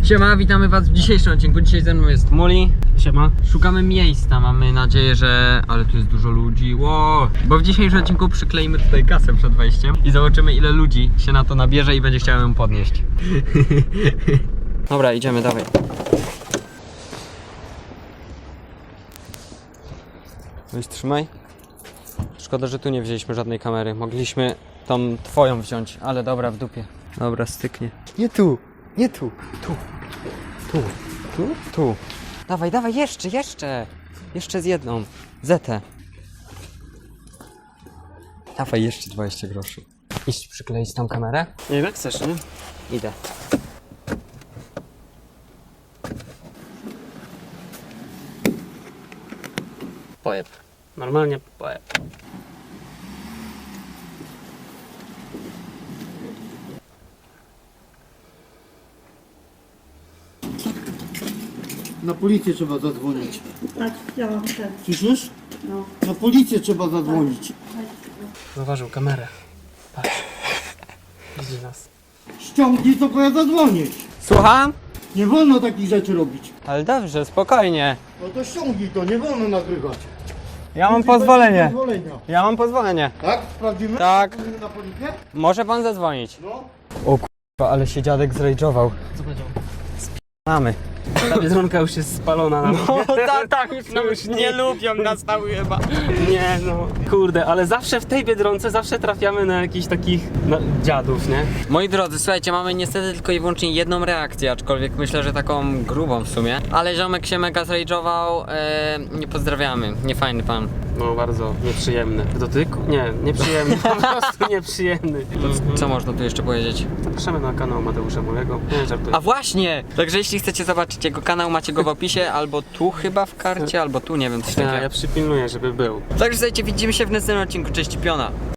Siema, witamy was w dzisiejszym odcinku. Dzisiaj ze mną jest Muli. Siema. Szukamy miejsca, mamy nadzieję, że... Ale tu jest dużo ludzi, wow. Bo w dzisiejszym odcinku przykleimy tutaj kasę przed wejściem i zobaczymy, ile ludzi się na to nabierze i będzie chciał ją podnieść. Dobra, idziemy, dawaj. Weź, trzymaj. Szkoda, że tu nie wzięliśmy żadnej kamery. Mogliśmy tą twoją wziąć, ale dobra, w dupie. Dobra, styknie. Nie tu, nie tu. Tu, tu, tu, tu. Dawaj, dawaj, jeszcze. Jeszcze z jedną. Zetę. Dawaj, jeszcze 20 groszy. Iść przykleić tam kamerę? Nie wiem jak chcesz, nie? Idę. Pojeb. Normalnie pojeb. Na policję trzeba zadzwonić. Tak, ja mam ten. Słyszysz? No. Na policję trzeba zadzwonić. Zauważył kamerę. Patrz. Widzi nas. Ściągnij to, bo ja zadzwonię. Słucham? Nie wolno takich rzeczy robić. Ale dobrze, spokojnie. No to ściągnij to, nie wolno nagrywać. Ja mam Musi być pozwolenie. pozwolenia. Ja mam pozwolenie. Tak? Sprawdzimy? Tak. Sprawdzimy na policję? Może pan zadzwonić. No. O kurwa, ale się dziadek zrajdżował. Co powiedział? Mamy. Ta biedronka już jest spalona na No tak, już nie lubią nas tam chyba. Nie no, kurde, ale zawsze w tej biedronce zawsze trafiamy na jakichś takich dziadów, nie? Moi drodzy, słuchajcie, mamy niestety tylko i wyłącznie jedną reakcję, aczkolwiek myślę, że taką grubą w sumie. Ale ziomek się mega zrajdżował, nie pozdrawiamy, niefajny pan. No bardzo nieprzyjemny. W dotyku? Nie, nieprzyjemny, po prostu nieprzyjemny. Co można tu jeszcze powiedzieć? Zapraszamy na kanał Mateusza Mulego. Nie, żartuję. A właśnie! Także jeśli chcecie zobaczyć jego kanał, macie go w opisie, albo tu chyba w karcie, albo tu, nie wiem, coś Ja takiego. przypilnuję, żeby był. Także słuchajcie, widzimy się w następnym odcinku, cześć, piona!